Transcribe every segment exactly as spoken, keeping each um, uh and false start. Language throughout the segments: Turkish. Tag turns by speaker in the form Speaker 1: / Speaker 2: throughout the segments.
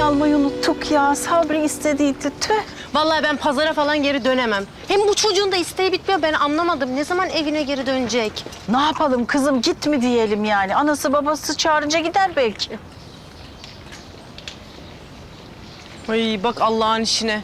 Speaker 1: almayı unuttuk ya. Sabri istediydi. Tüh.
Speaker 2: Vallahi ben pazara falan geri dönemem. Hem bu çocuğun da isteği bitmiyor. Ben anlamadım. Ne zaman evine geri dönecek?
Speaker 1: Ne yapalım kızım, git mi diyelim yani? Anası babası çağırınca gider belki.
Speaker 2: Ay bak Allah'ın işine.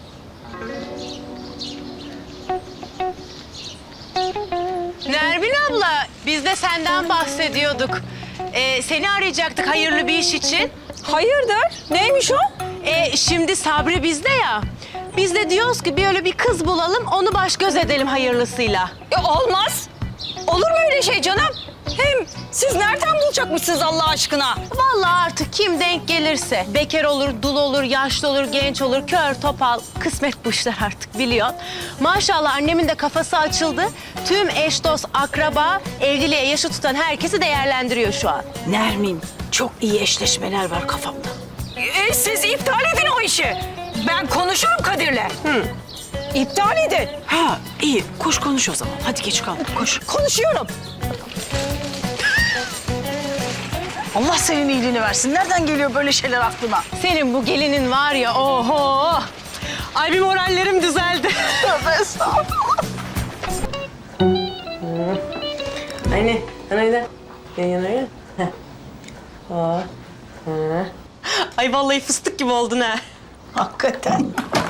Speaker 2: Nermin abla, biz de senden bahsediyorduk. Ee, seni arayacaktık hayırlı bir iş için.
Speaker 3: Hayırdır? Neymiş o?
Speaker 2: Ee, şimdi Sabri bizde ya. Biz de diyoruz ki bir öyle bir kız bulalım, onu baş göz edelim hayırlısıyla.
Speaker 3: Ya olmaz. Olur mu öyle şey canım? Hem siz nereden bulacakmışsınız Allah aşkına?
Speaker 2: Vallahi artık kim denk gelirse. Bekar olur, dul olur, yaşlı olur, genç olur, kör, topal. Kısmet bu işler artık biliyorsun. Maşallah annemin de kafası açıldı. Tüm eş, dost, akraba, evliliğe yaşı tutan herkesi değerlendiriyor şu an.
Speaker 1: Nermin, çok iyi eşleşmeler var kafamda.
Speaker 3: E, siz iptal edin o işi. Ben konuşurum Kadir'le. Hı. İptal edin.
Speaker 1: Ha iyi, koş konuş o zaman. Hadi geç kaldık, koş.
Speaker 3: Konuşuyorum.
Speaker 1: Allah senin iyiliğini versin. Nereden geliyor böyle şeyler aklına?
Speaker 2: Senin bu gelinin var ya, oho! Ay bir morallerim düzeldi.
Speaker 1: Tövbe estağfurullah.
Speaker 2: Anne, anayla. Yan yana ya. Aa. Ay vallahi fıstık gibi oldun ha.
Speaker 1: Hakikaten.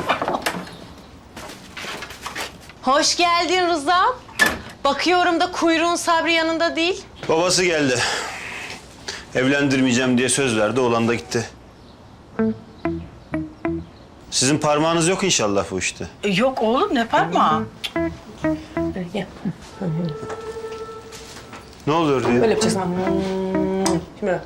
Speaker 2: Hoş geldin Rıza. Bakıyorum da kuyruğun Sabri yanında değil.
Speaker 4: Babası geldi. Evlendirmeyeceğim diye söz verdi, oğlan da gitti. Sizin parmağınız yok inşallah bu işte.
Speaker 1: E, yok oğlum, ne parmağı?
Speaker 4: Ne oluyor diye?
Speaker 2: Böyle yapacağız ama. Şimdi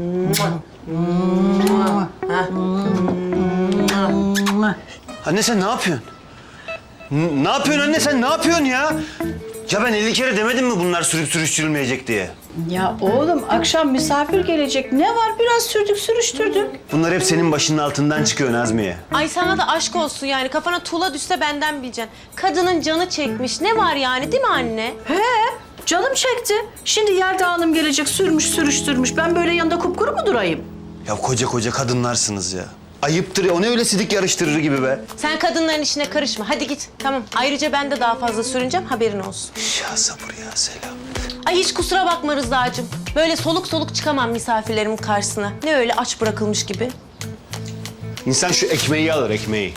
Speaker 4: Anne sen ne yapıyorsun? N- ne yapıyorsun anne sen ne yapıyorsun ya? Ya ben elli kere demedim mi bunlar sürüp sürüştürülmeyecek diye?
Speaker 1: Ya oğlum, akşam misafir gelecek. Ne var? Biraz sürdük sürüştürdük.
Speaker 4: Bunlar hep senin başının altından çıkıyor Nazmiye.
Speaker 2: Ay sana da aşk olsun yani. Kafana tuğla düşse benden bileceksin. Kadının canı çekmiş. Ne var yani değil mi anne?
Speaker 1: He, canım çekti. Şimdi Yelda Hanım gelecek, sürmüş sürüştürmüş. Ben böyle yanında kupkuru mu durayım?
Speaker 4: Ya koca koca kadınlarsınız ya. Ayıptır ya, o ne öyle sidik yarıştırır gibi be.
Speaker 2: Sen kadınların işine karışma. Hadi git. Tamam. Ayrıca ben de daha fazla sürüneceğim. Haberin olsun.
Speaker 4: Ya sabır ya selam.
Speaker 2: Ay hiç kusura bakma Rıza'cığım. Böyle soluk soluk çıkamam misafirlerimin karşısına. Ne öyle aç bırakılmış gibi.
Speaker 4: İnsan şu ekmeği alır, ekmeği.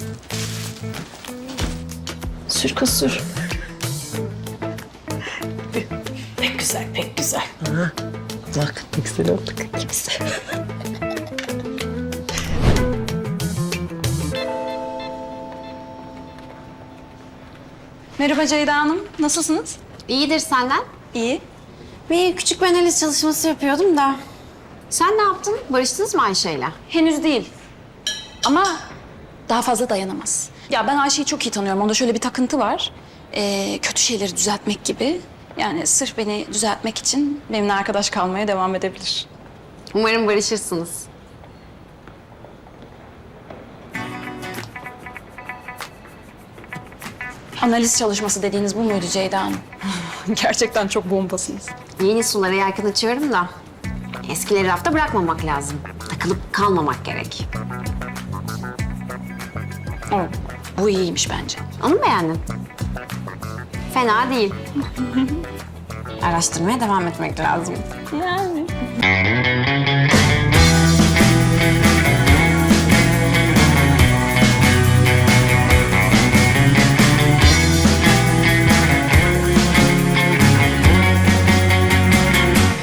Speaker 1: Sür kız sür. Pek güzel, pek güzel.
Speaker 2: Bak ne güzel olduk. Güzel.
Speaker 5: Merhaba Ceyda Hanım, nasılsınız?
Speaker 6: İyidir senden.
Speaker 5: İyi.
Speaker 6: Bir küçük bir analiz çalışması yapıyordum da. Sen ne yaptın? Barıştınız mı Ayşe'yle?
Speaker 5: Henüz değil. Ama daha fazla dayanamaz. Ya ben Ayşe'yi çok iyi tanıyorum. Onda şöyle bir takıntı var. Ee, kötü şeyleri düzeltmek gibi. Yani sırf beni düzeltmek için benimle arkadaş kalmaya devam edebilir.
Speaker 6: Umarım barışırsınız.
Speaker 5: Analiz çalışması dediğiniz bu muydu Ceyda Hanım? Gerçekten çok bombasınız.
Speaker 6: Yeni sulara yelken açıyorum da. Eskileri rafta bırakmamak lazım. Takılıp kalmamak gerek.
Speaker 5: O, bu iyiymiş bence.
Speaker 6: Onu mu beğendin? Fena değil. Araştırmaya devam etmek lazım.
Speaker 5: Yani.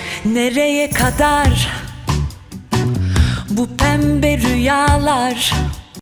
Speaker 7: Nereye kadar bu pembe rüyalar?